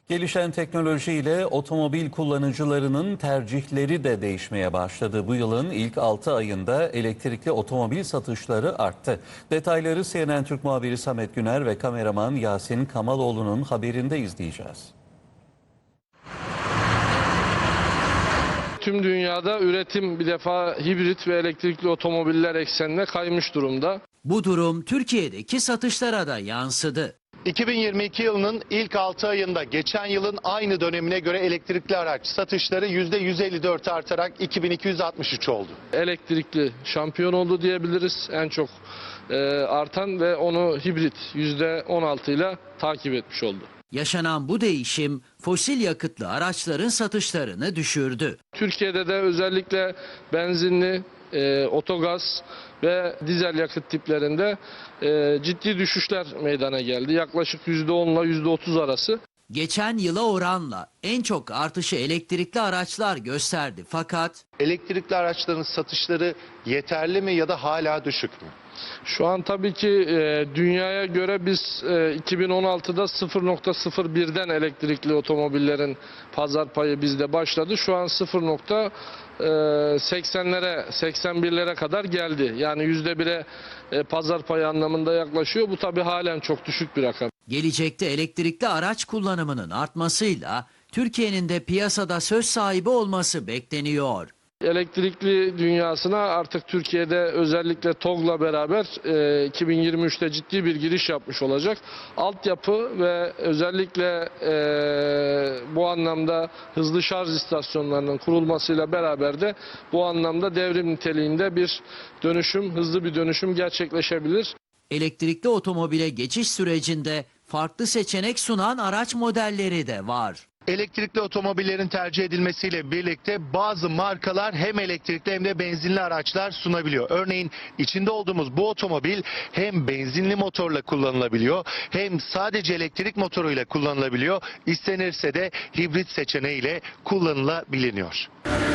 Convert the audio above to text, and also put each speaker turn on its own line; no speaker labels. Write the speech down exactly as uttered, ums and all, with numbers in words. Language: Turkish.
Gelişen teknolojiyle otomobil kullanıcılarının tercihleri de değişmeye başladı. Bu yılın ilk altı ayında elektrikli otomobil satışları arttı. Detayları C N N Türk muhabiri Samet Güner ve kameraman Yasin Kamaloğlu'nun haberinde izleyeceğiz.
Tüm dünyada üretim bir defa hibrit ve elektrikli otomobiller eksenine kaymış durumda.
Bu durum Türkiye'deki satışlara da yansıdı.
iki bin yirmi iki yılının ilk altı ayında geçen yılın aynı dönemine göre elektrikli araç satışları yüzde yüz elli dört artarak iki bin iki yüz altmış üç oldu.
Elektrikli şampiyon oldu diyebiliriz. En çok e, artan ve onu hibrit yüzde on altı ile takip etmiş oldu.
Yaşanan bu değişim fosil yakıtlı araçların satışlarını düşürdü.
Türkiye'de de özellikle benzinli, e, otogaz ve dizel yakıt tiplerinde e, ciddi düşüşler meydana geldi. Yaklaşık yüzde on ile yüzde otuz arası.
Geçen yıla oranla en çok artışı elektrikli araçlar gösterdi fakat
Elektrikli araçların satışları yeterli mi ya da hala düşük mü?
Şu an tabii ki e, dünyaya göre biz e, iki bin on altıda sıfır nokta sıfır birden elektrikli otomobillerin pazar payı bizde başladı. Şu an sıfır nokta seksenlere seksen birlere kadar geldi. Yani yüzde bire e, pazar payı anlamında yaklaşıyor. Bu tabii halen çok düşük bir rakam.
gelecekte elektrikli araç kullanımının artmasıyla Türkiye'nin de piyasada söz sahibi olması bekleniyor.
Elektrikli dünyasına artık Türkiye'de özellikle TOGG'la beraber e, iki bin yirmi üçte ciddi bir giriş yapmış olacak. Altyapı ve özellikle e, bu anlamda hızlı şarj istasyonlarının kurulmasıyla beraber de bu anlamda devrim niteliğinde bir dönüşüm, hızlı bir dönüşüm gerçekleşebilir.
Elektrikli otomobile geçiş sürecinde farklı seçenek sunan araç modelleri de var.
Elektrikli otomobillerin tercih edilmesiyle birlikte bazı markalar hem elektrikli hem de benzinli araçlar sunabiliyor. Örneğin içinde olduğumuz bu otomobil hem benzinli motorla kullanılabiliyor hem sadece elektrik motoruyla kullanılabiliyor. İstenirse de hibrit seçeneğiyle kullanılabiliyor.